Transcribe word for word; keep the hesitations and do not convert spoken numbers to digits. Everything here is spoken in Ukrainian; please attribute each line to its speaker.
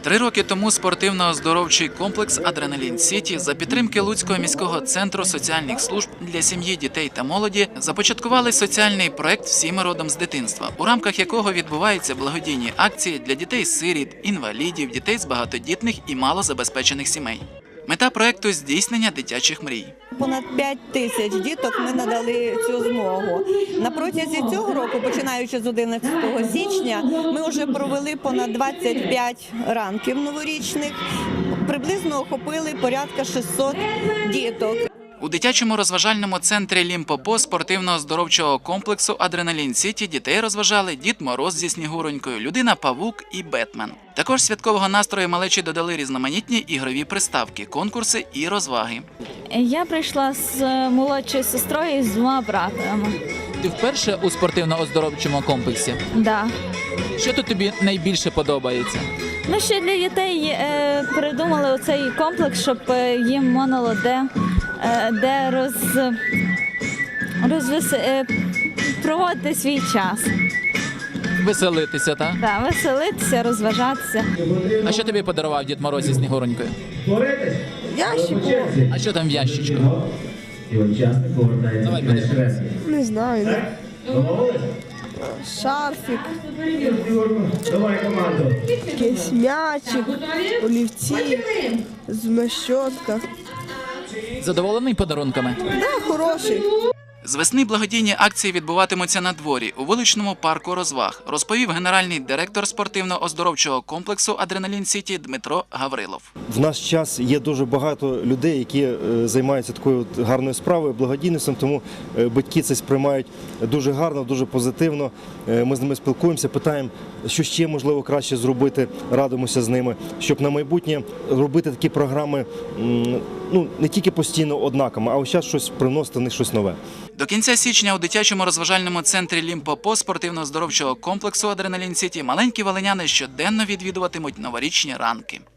Speaker 1: Три роки тому спортивно-оздоровчий комплекс «Адреналін Сіті» за підтримки Луцького міського центру соціальних служб для сім'ї, дітей та молоді започаткували соціальний проект «Всі ми родом з дитинства», у рамках якого відбуваються благодійні акції для дітей-сиріт, інвалідів, дітей з багатодітних і малозабезпечених сімей. Мета проекту – здійснення дитячих мрій.
Speaker 2: Понад п'ять тисяч діток ми надали цю змогу. На протязі цього року, починаючи з одинадцятого січня, ми вже провели понад двадцять п'ять ранків новорічних, приблизно охопили порядка шістсот діток.
Speaker 1: У дитячому розважальному центрі «Лімпопо» спортивно-оздоровчого комплексу «Адреналін Сіті» дітей розважали Дід Мороз зі Снігуронькою, Людина-павук і Бетмен. Також святкового настрою малечі додали різноманітні ігрові приставки, конкурси і розваги.
Speaker 3: Я прийшла з молодшою сестрою і з двома братами.
Speaker 4: Ти вперше у спортивно-оздоровчому комплексі?
Speaker 3: Да.
Speaker 4: Що тут тобі найбільше подобається?
Speaker 3: Ми ще для дітей е, придумали оцей комплекс, щоб е, їм можна було де, е, де роз, розвес, е, проводити свій час.
Speaker 4: Веселитися, так?
Speaker 3: Да, веселитися, розважатися.
Speaker 4: А що тобі подарував Дід Мороз зі Снігуронькою?
Speaker 2: Ящик?
Speaker 4: А що там в ящичку? Давай подивимось.
Speaker 2: Не знаю. Шарфік, якийсь м'ячик, олівці, змащотка.
Speaker 4: Задоволений подарунками?
Speaker 2: Да, хороший.
Speaker 1: З весни благодійні акції відбуватимуться на дворі у вуличному парку розваг, розповів генеральний директор спортивно-оздоровчого комплексу «Адреналін Сіті» Дмитро Гаврилов.
Speaker 5: В наш час є дуже багато людей, які е, займаються такою гарною справою, благодійністю, тому е, батьки це сприймають дуже гарно, дуже позитивно. Е, Ми з ними спілкуємося, питаємо, що ще можливо краще зробити, радимося з ними, щоб на майбутнє робити такі програми м, ну, не тільки постійно однаковими, а ось час щось приносити в них щось нове.
Speaker 1: До кінця січня у дитячому розважальному центрі «Лімпопо» спортивно-оздоровчого комплексу «Адреналін Сіті» маленькі волиняни щоденно відвідуватимуть новорічні ранки.